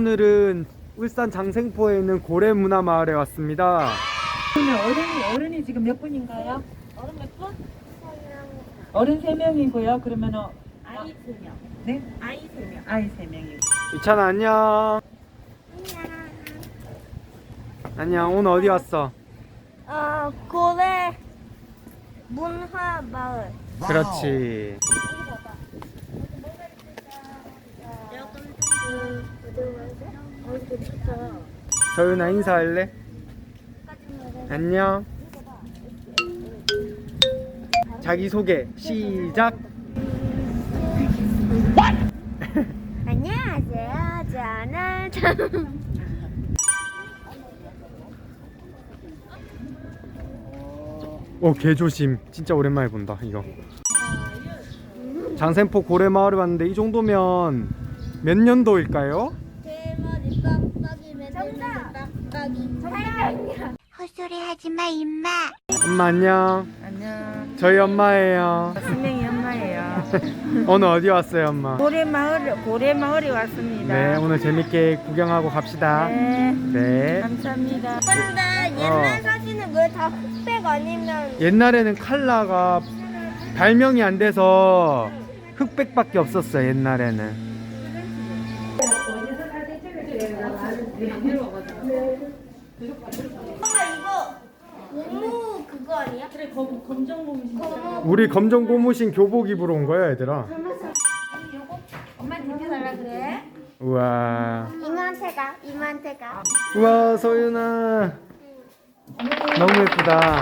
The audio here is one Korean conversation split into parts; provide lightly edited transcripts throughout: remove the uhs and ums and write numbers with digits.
오늘은 울산 장생포에 있는 고래문화마을에 왔습니다. 어른이 지금 몇 분인가요? 어른 몇 분? 어른 3명이고요. 그러면은 아이 3명. 네? 아이 3명. 아이 3명이고. 유찬아 안녕. 안녕. 오늘 어디 왔어? 고래 문화 마을. 그렇지. 서윤아 인사할래? 안녕. 자기소개 시작. 안녕하세요. 저는 오, 개조심. 진짜 오랜만에 본다 이거. 장생포 고래마을에 왔는데 이 정도면 몇 년도일까요? 대머리 빡빡이 매달리는 빡빡이. 헛소리 하지마 임마. 엄마 안녕. 안녕. 저희 엄마예요. 분명히 엄마예요. 오늘 어디 왔어요 엄마? 고래마을에 왔습니다. 네, 오늘 재밌게 구경하고 갑시다. 네. 네. 감사합니다. 근데 옛날 사진은 왜 다 흑백 아니면 옛날에는 칼라가 발명이 안 돼서 흑백밖에 없었어요 옛날에는. 엄마 이거 고무 그거 아니야? 그래 검정 고무. 우리 검정 고무신 교복 입으러 온 거야 얘들아. 엄마 챙겨달라 그래. 우와. 이모한테 가. 우와 소윤아. 너무 예쁘다.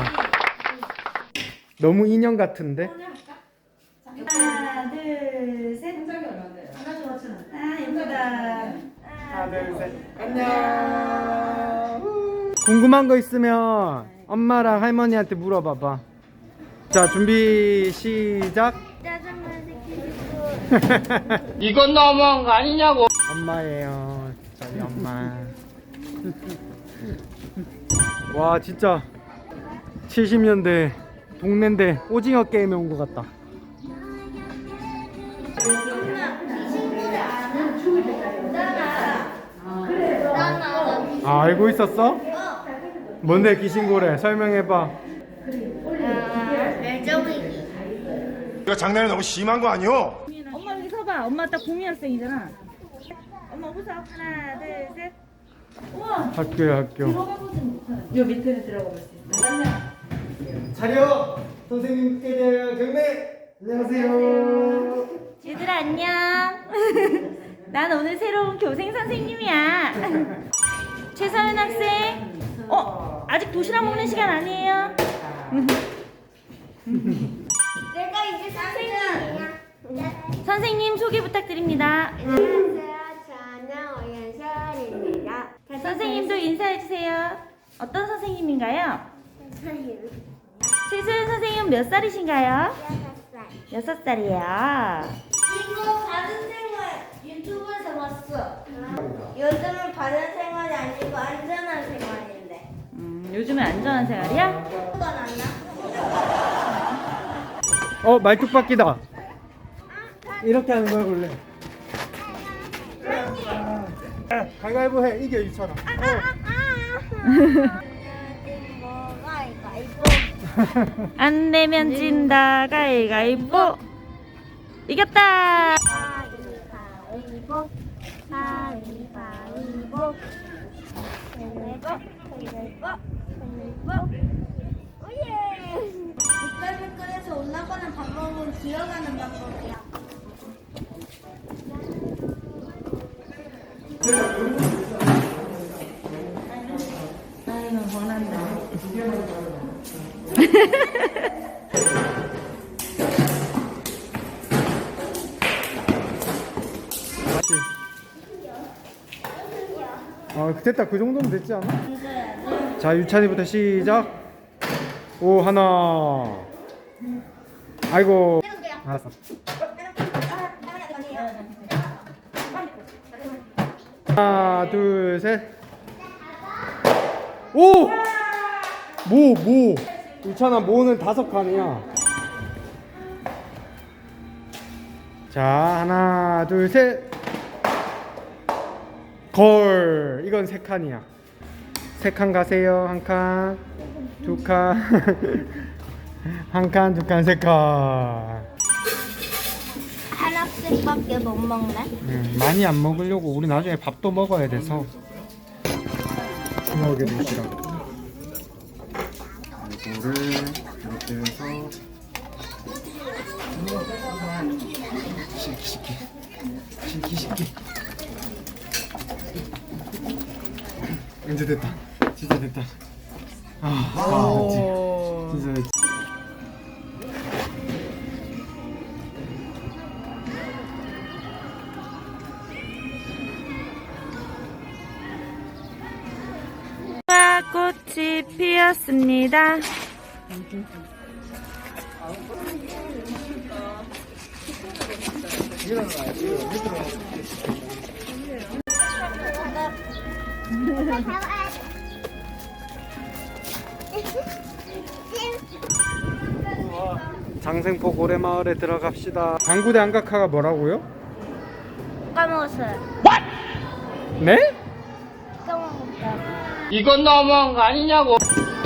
너무 인형 같은데? 하나, 둘, 셋. 아, 예쁘다. 하나 둘 셋. 안녕. 궁금한 거 있으면 엄마랑 할머니한테 물어봐봐. 자 준비 시작. 짜장면 시키고. 이건 너무한 거 아니냐고. 엄마예요. 저희 엄마. 와 진짜 70년대 동네인데 오징어 게임에 온 것 같다. 아 알고 있었어? 뭔데 귀신고래 설명해봐. 멜정이기. 이거 장난이 너무 심한 거 아니오? 엄마 여기 서봐. 엄마 딱 국민학생이잖아. 엄마 웃어. 하나, 둘, 셋. 우와. 학교야 학교. 요 밑에는 들어가 볼 수 있어. 차려! 선생님께 대한 경례! 안녕하세요. 얘들아 안녕. 난 오늘 새로운 교생 선생님이야. 최서연 학생. 아직 도시락 먹는 시간 아니에요? 내가 이제 선생님이야. 선생님 소개 부탁드립니다. 안녕하세요. 저는 오연설입니다. 선생님도 인사해 주세요. 어떤 선생님인가요? 선생님. 최서연 선생님 몇 살이신가요? 6살. 6살이에요. 이거 바른 생활 유튜브에서 봤어. 요즘은 바른 생활이 아니고 안전한 생활인데. 요즘은 안전한 생활이야? 그건 아니야? 말뚝박기다. 이렇게 하는 거야 원래. 가위바위보 해. 이겨 유찬아. 뭐가 이거 안 내면 진다. 가위가위보. 이겼다. 가위바위보 가위바위보 오예. 미끌미끌해서 올라가는 방법은 기어가는 방법이야. 아이고 원한다. 됐다. 그 정도면 됐지 않아? 자 유찬이부터 시작. 오 하나. 아이고. 알았어. 하나 둘 셋. 오! 모 유찬아 모는 5칸이야. 자 하나 둘 셋. 걸. 이건 3칸이야. 3칸 가세요. 1칸, 2칸, 1칸, 2칸, 3칸. 하나씩밖에 못 먹네. 많이 안 먹으려고. 우리 나중에 밥도 먹어야 돼서. 주먹에 넣으시라고. 이거를 이렇게 해서 시키. 이제 됐다. 진짜 됐다. 됐지. 진짜 됐지. 꽃이 피었습니다. 장생포 고래마을에 들어갑시다. 방구대 안각화가 뭐라고요? 까먹었어요. 네? 까먹었다. 이건 너무한 거 아니냐고.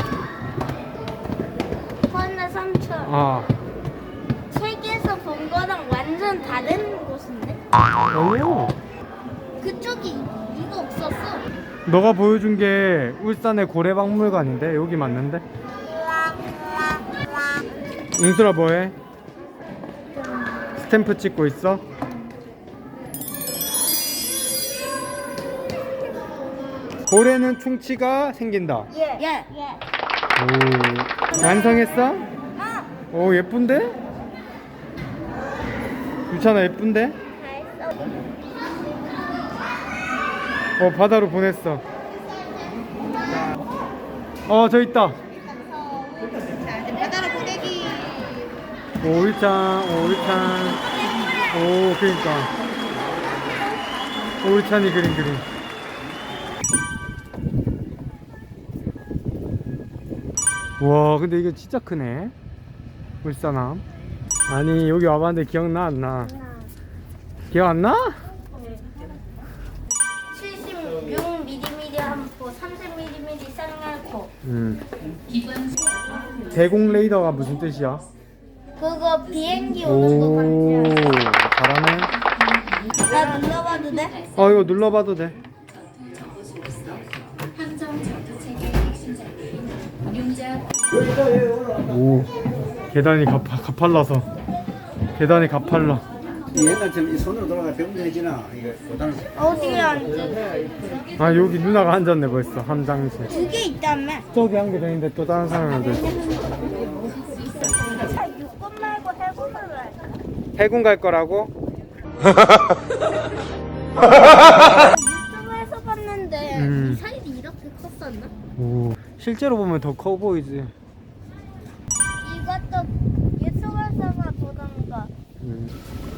헌나 삼촌. 아. 세계에서 본 거랑 완전 다른 곳인데? 오. 그쪽이 이거 없었어. 너가 보여준 게 울산의 고래박물관인데 여기 맞는데? 은수라 뭐해? 스탬프 찍고 있어? 고래는 충치가 생긴다. 예. 오. 완성했어? 오 예쁜데? 유찬아 예쁜데? 다 했어. 바다로 보냈어. 저 있다. 바다로 보내기. 오일찬. 오 그러니까 오일찬이 그림. 와 근데 이게 진짜 크네. 울산함. 아니 여기 와봤는데 기억나 안 나? 기억 안 나? 76mm 한포, 30mm 쌍날포. 대공 레이더가 무슨 뜻이야? 그거 비행기 오는 거 오 반지야. 잘하네. 나 눌러봐도 돼? 이거 눌러봐도 돼. 오 계단이 가팔라서 계단이 가팔라. 옛날처럼 이 손으로 돌아가 병들해지나 이거 보다는 어디에 앉지? 여기 누나가 앉았네 벌써 함장실. 2개 있다며? 저기 한 개 더 있는데 또 다른 사람이 앉아있어. 육군 말고 해군으로 할까? 해군 갈 거라고? 유튜브에서 봤는데 음. 미사일이 이렇게 컸었나? 오 실제로 보면 더 커 보이지. 이것도 유튜브에서만 보던 거.